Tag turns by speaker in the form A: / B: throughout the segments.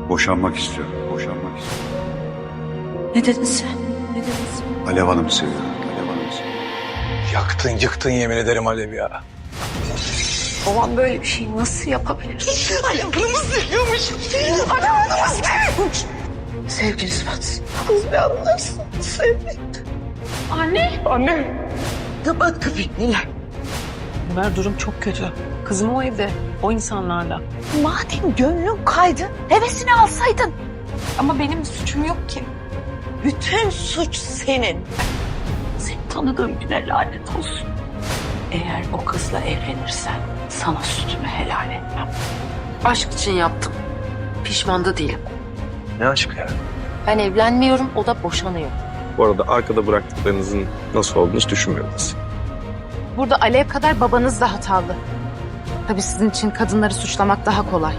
A: Boşanmak istiyorum. Boşanmak istiyorum.
B: Ne dedin sen? Ne dedin sen?
A: Alev Hanım'ı seviyorum. Alev Hanım'ı seviyorum.
C: Yaktın yıktın yemin ederim Alev ya.
B: Babam böyle bir şey nasıl yapabilir?
D: Alev Hanım'ı seviyormuş. Alev Hanım'ı seviyormuş.
B: Sevgili Sıfat.
D: Kız bir anlarsın. Sevmek.
B: Anne.
D: Kapat kapıyı Nilay.
E: Ömer durum çok kötü. Kızım o evde, o insanlarla.
D: Madem gönlün kaydı, hevesini alsaydın.
B: Ama benim suçum yok ki.
D: Bütün suç senin.
B: Seni tanıdığım güne lanet olsun. Eğer o kızla evlenirsen sana sütümü helal etmem. Aşk için yaptım. Pişman da değilim.
C: Ne aşk ya?
B: Ben evlenmiyorum, o da boşanıyor.
F: Bu arada arkada bıraktıklarınızın nasıl olduğunu hiç düşünmüyoruz.
G: Burada Alev kadar babanız da hatalı. Tabii sizin için kadınları suçlamak daha kolay.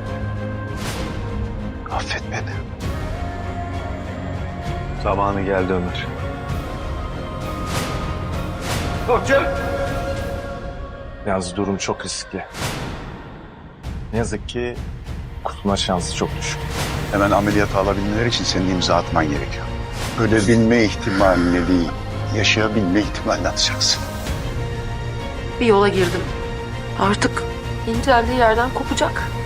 C: Affet beni.
F: Zamanı geldi Ömer.
H: Yalnız durum çok riskli. Ne yazık ki kurtulma şansı çok düşük.
A: Hemen ameliyata alabilmeleri için senin imza atman gerekiyor. Ölebilme ihtimaline değil, yaşayabilme ihtimalini atacaksın.
B: Bir yola girdim. Artık inceldiği yerden kopacak.